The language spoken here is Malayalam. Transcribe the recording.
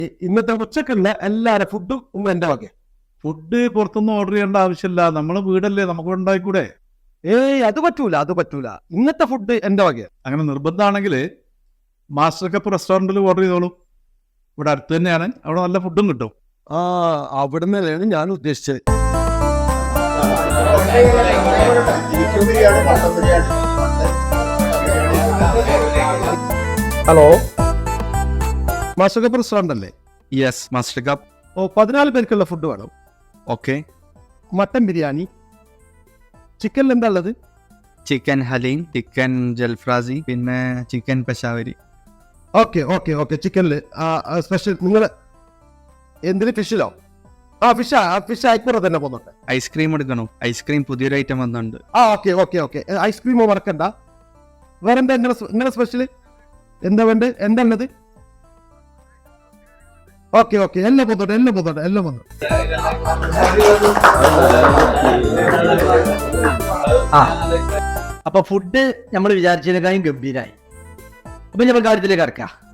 ഇന്നത്തെ ഉച്ചക്കുള്ള എല്ലാവരും ഫുഡും എന്റെ വക. ഫുഡ് പുറത്തൊന്നും ഓർഡർ ചെയ്യേണ്ട ആവശ്യമില്ല, നമ്മളെ വീടല്ലേ, നമുക്ക് ഉണ്ടായിക്കൂടെ? അത് പറ്റൂല. ഇന്നത്തെ ഫുഡ് എന്റെ വക. അങ്ങനെ നിർബന്ധമാണെങ്കിൽ മാസ്റ്റർ കപ്പ് റെസ്റ്റോറൻറ്റിൽ ഓർഡർ ചെയ്തോളൂ. ഇവിടെ അടുത്ത് തന്നെയാണ്, അവിടെ നല്ല ഫുഡും കിട്ടും. അവിടെ നിന്നാണ് ഞാൻ ഉദ്ദേശിച്ചത്. ഹലോ, മാസ്റ്റർ കപ്പ് റെസ്റ്റോറന്റ് അല്ലേ? Yes, master cup. 14 പേർക്കുള്ള ഫുഡ് വേണം. ഓക്കെ. മട്ടൻ ബിരിയാണി, ചിക്കനിൽ എന്താ ഉള്ളത്? ചിക്കൻ ഹലീം, ചിക്കൻ ജൽഫ്രാസി, പിന്നെ ചിക്കൻ പെഷാവരി. ഓക്കെ. ചിക്കനിൽ സ്പെഷ്യൽ. നിങ്ങൾ എന്തിന്? ഫിഷിലോ? ഫിഷ് അയക്കൂറ തന്നെ പോകുന്നുണ്ട്. ഐസ്ക്രീം എടുക്കണോ? ഐസ്ക്രീം പുതിയൊരു ഐറ്റം വന്നുണ്ട്. ഓക്കെ. ഐസ്ക്രീമോ മറക്കണ്ട. വേറെന്താ നിങ്ങളെ സ്പെഷ്യൽ? എന്താ വേണ്ടത്? എന്താ ഉള്ളത്? ഓക്കെ. എല്ലാം പോകുന്നുണ്ട്. അപ്പൊ ഫുഡ് നമ്മൾ വിചാരിച്ചതിനേക്കാളും ഗംഭീരായി. അപ്പൊ നമ്മൾ കാര്യത്തിലേക്ക് കടക്കാം.